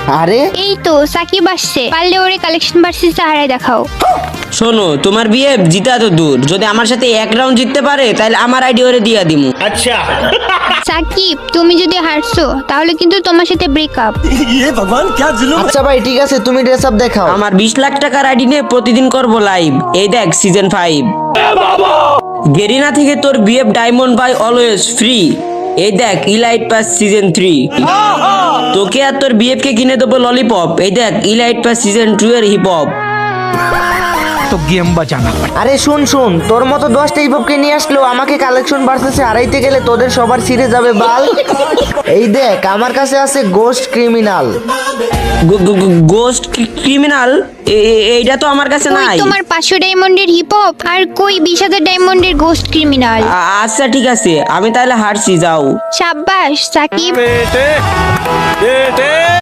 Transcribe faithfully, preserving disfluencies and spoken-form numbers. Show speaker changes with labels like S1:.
S1: আরে
S2: এই তো সাকিব আসছে, পারলে ওরে কালেকশন ভার্সেস হারাই দেখাও।
S3: শোনো, তোমার বিয়ে জিতা তো দূর, যদি আমার সাথে এক রাউন্ড জিততে পারে তাহলে আমার আইডি ওরে দিয়া দিমু।
S2: সাকিব তুমি যদি হারছো তাহলে কিন্তু তোমার সাথে ব্রেকআপ।
S1: আচ্ছা ভাই ঠিক আছে, তুমি ড্রেস আপ দেখাও।
S3: আমার বিশ লাখ টাকার আইডি নিয়ে প্রতিদিন করবো লাইভ। এই দেখ সিজন ফাইভ। গেরিনা থেকে তোর BF diamond buy always free. এই দেখ ইলাইট পাস সিজন থ্রি। তোকে আর তোর বিএফ কে কিনে দেবো ললিপপ। এই দেখ ইলাইট পাস সিজন টু এর হিপ হপ।
S4: तो गेम बजाना पड़ेगा।
S1: আরে শুন শুন, তোর মতো দশটা হিপহপকে নিয়ে আসলেও আমাকে কালেকশন ভার্সেসে হারাইতে গেলে তোদের সবার ছিঁড়ে যাবে বাল। এই দেখ আমার কাছে আছে গোস্ট ক্রিমিনাল।
S3: Ghost criminal? এইটা তো আমার কাছে
S2: কই
S3: নাই।
S2: তোমার পাঁচশো ডায়মন্ডের হিপ হপ আর কই বিশ হাজার ডায়মন্ডের গোস্ট ক্রিমিনাল?
S3: আ- আচ্ছা ঠিক আছে, আমি তাহলে হারছি, যাও।
S2: সাব্বাস সাকিব।